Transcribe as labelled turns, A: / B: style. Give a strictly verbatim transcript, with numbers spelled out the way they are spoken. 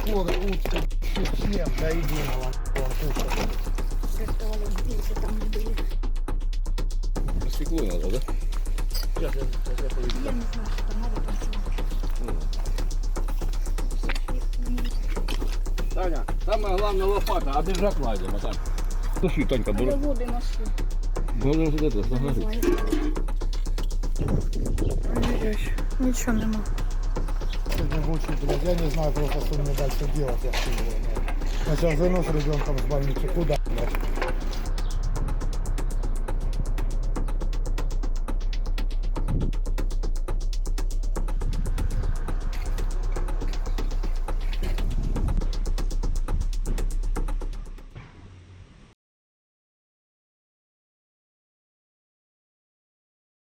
A: куры, утки, всем до единого. Вон куча.
B: Стекло надо, да?
A: Сейчас я, сейчас я поведу.
C: Я не знаю, что там надо там.
B: Таня, самое главное лопата, а держак лазим, а так. Слушай, Танька,
C: Я
B: буду.
C: воду ношу.
B: Можно вот это, смотри.
D: Ой-ой-ой, нічого нема.
A: Сегодня мучаю, блядь, я не знаю просто, что мне дальше делать, я хуй его знаю. Сначала занос ребенком с больницы, куда, блядь?